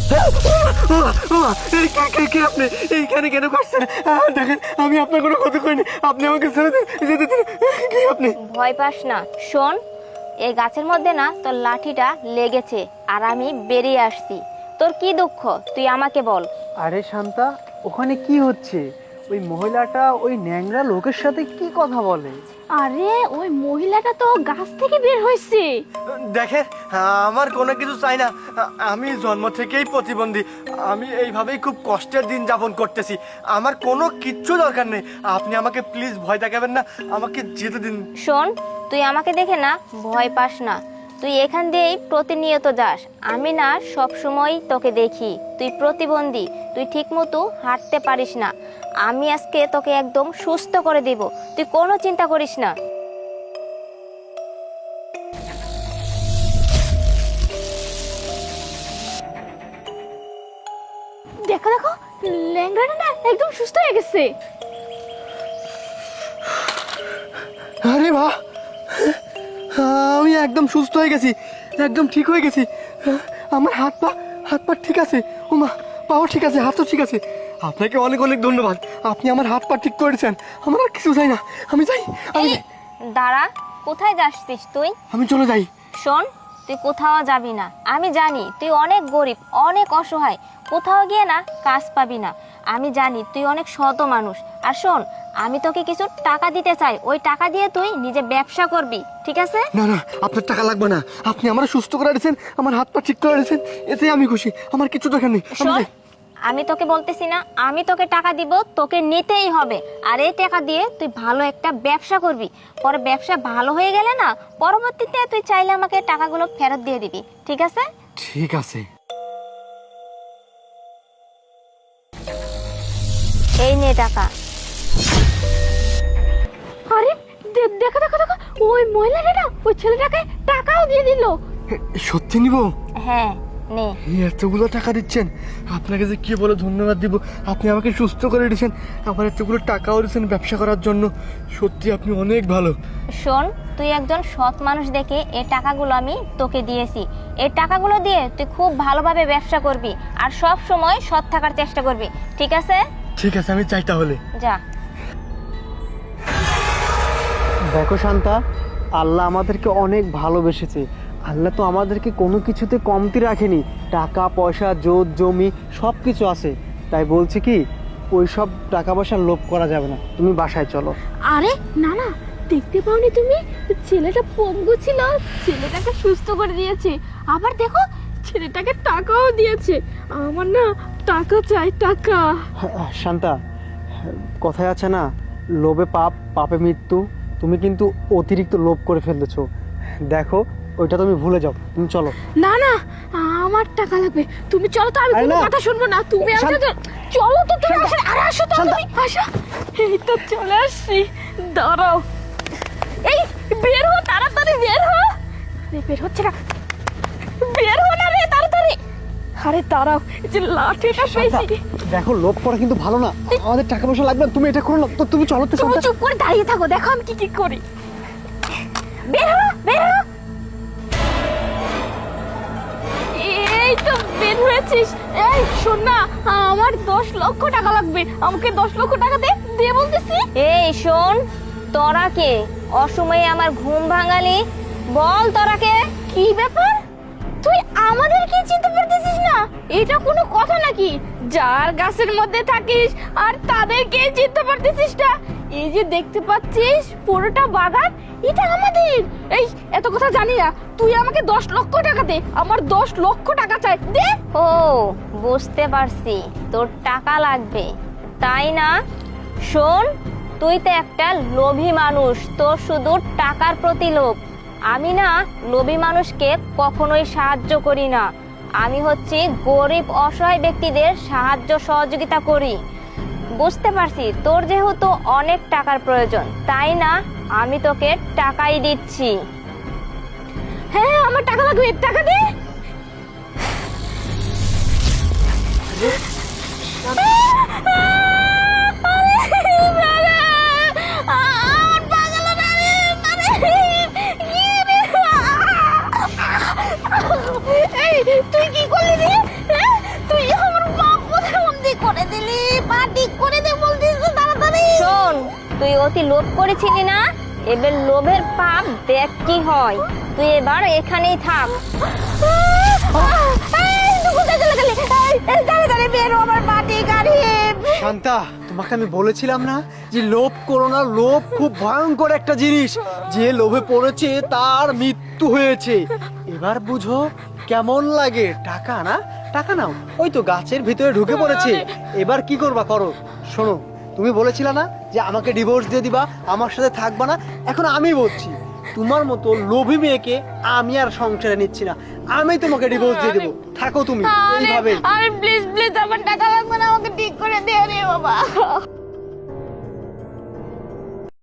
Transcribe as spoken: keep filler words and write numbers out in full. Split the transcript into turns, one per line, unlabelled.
আপনি এইখানে কেন করছেন? দেখেন আমি আপনার কোনো ক্ষতি করিনি, আপনি আমাকে ছেড়ে দিন, যেতে দিন। কি আপনি?
ভয় পাস না, শোন, এই গাছের মধ্যে না তোর লাঠিটা লেগেছে আর আমি বেরিয়ে আসছি। তোর কি দুঃখ তুই আমাকে বল।
আরে শান্তা, ওখানে কি হচ্ছে? ওই মহিলাটা ওই ন্যাংরা লোকের সাথে কি কথা বলে?
আরে ওই মহিলাটা তো গাছ থেকে বের হয়েছে।
দেখেন আমার কোনো কিছু চাই না, আমি জন্ম থেকেই প্রতিবন্ধী, আমি এইভাবেই খুব কষ্টের দিন যাপন করতেছি, আমার কোনো কিচ্ছু দরকার নেই, আপনি আমাকে প্লিজ ভয় দেখাবেন না, আমাকে যেতে দিন।
শোন, তুই আমাকে দেখে না ভয় পাস না, তুই এখান দিয়েই প্রতিনিয়ত যাস, আমি না সব সময় তোকে দেখি, তুই প্রতিবন্ধী, তুই ঠিক মতো হাঁটতে পারিস না, আমি আজকে তোকে একদম সুস্থ করে দিব, তুই কোনো চিন্তা করিস না।
দেখো দেখো, ল্যাংড়াটা না একদম সুস্থ হয়ে গেছে।
আরে বাহ, আমি একদম সুস্থ হয়ে গেছি, একদম ঠিক হয়ে গেছি, আমার হাত পা হাত পা ঠিক আছে, ও মা, পাও ঠিক আছে, হাতও ঠিক আছে, আপনাকে অনেক অনেক ধন্যবাদ, আপনি আমার হাত পা ঠিক করেছেন, আমার আর কিছু চাই না, আমি যাই, আমি
এই, দাঁড়া, কোথায় যাচ্ছিস তুই?
আমি চলে যাই।
শোন, তুই কোথাও যাবি না, আমি জানি তুই অনেক গরিব, অনেক অসহায়, কোথাও গিয়ে না কাজ পাবি না, আমি জানি তুই অনেক শত মানুষ, আর শোন, আমি তোকে কিছু টাকা দিতে চাই, ওই টাকা দিয়ে তুই নিজে ব্যবসা করবি, ঠিক আছে?
না না, আপনার টাকা লাগবে না, আপনি আমার সুস্থ করে দিয়েছেন, আমার হাত পা ঠিক করে দিয়েছেন, এতে আমি খুশি, আমার কিছু দরকার নেই, আমি
শোন,
যাই।
আমি তোকে বলতেছি না, আমি তোকে টাকা দিব, তোকে নিতেই হবে, আর এই টাকা দিয়ে তুই ভালো একটা ব্যবসা করবি, পরে ব্যবসা ভালো হয়ে গেলে না পরবর্তীতে তুই চাইলে আমাকে টাকাগুলো ফেরত দিয়ে দিবি, ঠিক আছে?
ঠিক আছে।
এই নে টাকা।
আরে দে- দেখো দেখো দেখো, ওই মহিলাটা না ওই ছেলেটাকে টাকাও দিয়ে দিল।
সত্যি নিব?
হ্যাঁ, নে।
এই এতগুলো টাকা দিচ্ছেন, আপনাকে যে কি বলে ধন্যবাদ দিব, আপনি আমাকে সুস্থ করে দিয়েছেন, আমার এতগুলো টাকাও দিয়েছেন ব্যবসা করার জন্য, সত্যি আপনি অনেক ভালো।
শোন, তুই একজন সৎ মানুষ দেখে এই টাকাগুলো আমি তোকে দিয়েছি, এই টাকাগুলো দিয়ে তুই খুব ভালোভাবে ব্যবসা করবি আর সব সময় সৎ থাকার চেষ্টা করবি, ঠিক আছে?
ঠিক আছে, আমি চাই তাহলে।
যা।
দেখো শান্তা, আল্লাহ আমাদেরকে অনেক ভালোবেসেছে, আল্লাহ তো আমাদেরকে কোনো কিছুতে কমতি রাখেনি, টাকা পয়সা জোত জমি সব কিছু আছে, তাই বলছি কি ওই সব টাকা পয়সার লোভ করা যাবে না, তুমি বাসায় চলো।
আরে না না, দেখতে পাওনি তুমি? ছেলেটা পঙ্গু ছিল, ছেলেটাকে সুস্থ করে দিয়েছে, আবার দেখো ছেলেটাকে টাকাও দিয়েছে। আমার না টাকা চাই, টাকা।
শান্তা, কথায় আছে না, লোভে পাপ, পাপে মৃত্যু, তুমি কিন্তু অতিরিক্ত লোভ করে ফেলেছো, দেখো ওইটা তুমি ভুলে যাও, তুমি চলো।
না না, আমার টাকা লাগবে, তুমি চলো তো, আমি
আরে
কোনো
না।
কথা শুনবো না, তুমি
শান্ত-
আমাকে চলো তো, তুমি
শান্ত-
আসো, আরে আসো তো
শান্ত-
তুমি, আসো, এই তো চলে আসছি, দাঁড়াও, এই বের হো, তাড়াতাড়ি বের হো। আরে বের হচ্ছে না, বের হো না রে, তাড়াতাড়ি। আরে দাঁড়াও, এই যে লাঠিটা
শান্তা,
পেয়েছি।
দেখো লোভ করা কিন্তু ভালো না, আমাদের টাকা পয়সা লাগবে না, তুমি এটা করো না তো, তুমি চলো তো
তুমি
শান্তা।
চুপ করে দাঁড়িয়ে থাকো, দেখো আমি কি কি করি। বের হো, বের হো। এই তো বের হয়েছিস। এই শোন না, আমার দশ লক্ষ টাকা লাগবে, আমাকে দশ লক্ষ টাকা দে, দে বলতেছি।
এই শোন, তোরা কে অসময়ে আমার ঘুম ভাঙালি, বল তোরা কে?
কি ব্যাপার, তুই আমাদেরকে চিনতে পারতেছিস না? এটা কোনো কথা নাকি? যার গাছের মধ্যে থাকিস আর তাদেরকে চিনতে পারতেছিস না? এই যে দেখতে পাচ্ছিস পুরোটা বাগান, এটা আমাদের। এই এত কথা জানি না, তুই আমাকে দশ লক্ষ টাকা দে, আমার দশ লক্ষ টাকা চাই, দে।
ও, বুঝতে পারছি তোর টাকা লাগবে, তাই না? শোন, তুই তো একটা লোভী মানুষ, তোর শুধু টাকার প্রতি লোভ, আমি না লোভী মানুষকে কখনোই সাহায্য করি না, আমি হচ্ছি গরিব অসহায় ব্যক্তিদের সাহায্য সহযোগিতা করি, বুঝতে পারছি তোর যেহেতু অনেক টাকার প্রয়োজন, তাই না আমি তোকে টাকাই দিচ্ছি।
হ্যাঁ আমার টাকা লাগবে, টাকা দে। এই তুই কি করলি রে?
অতি লোভ করেছিলি না, এবার লোভের পাপ দেখ কি হয়। তুই এবার এখানেই থাক।
শান্তা, তোমাকে আমি বলেছিলাম না যে লোভ করো না, লোভ খুব ভয়ঙ্কর একটা জিনিস। যে লোভে পড়েছে তার মৃত্যু হয়েছে। এবার বুঝো কেমন লাগে। টাকা না, টাকা নাও, ওই তো গাছের ভিতরে ঢুকে পড়েছে। এবার কি করবা করো। শোনো, তুমি বলেছিলে না যে আমাকে ডিভোর্স দিয়ে দিবা, আমার সাথে থাকবা না। এখন আমি বলছি, তোমার মতো লোভী মেয়েকে আমি আর সংসারে নিচ্ছি না। আমি তোমাকে ডিভোর্স দিয়ে দেবো, থাকো তুমি এইভাবে।
আরে প্লিজ প্লিজ আমার টাকা লাগবে না, আমাকে ঠিক করে দে রে বাবা।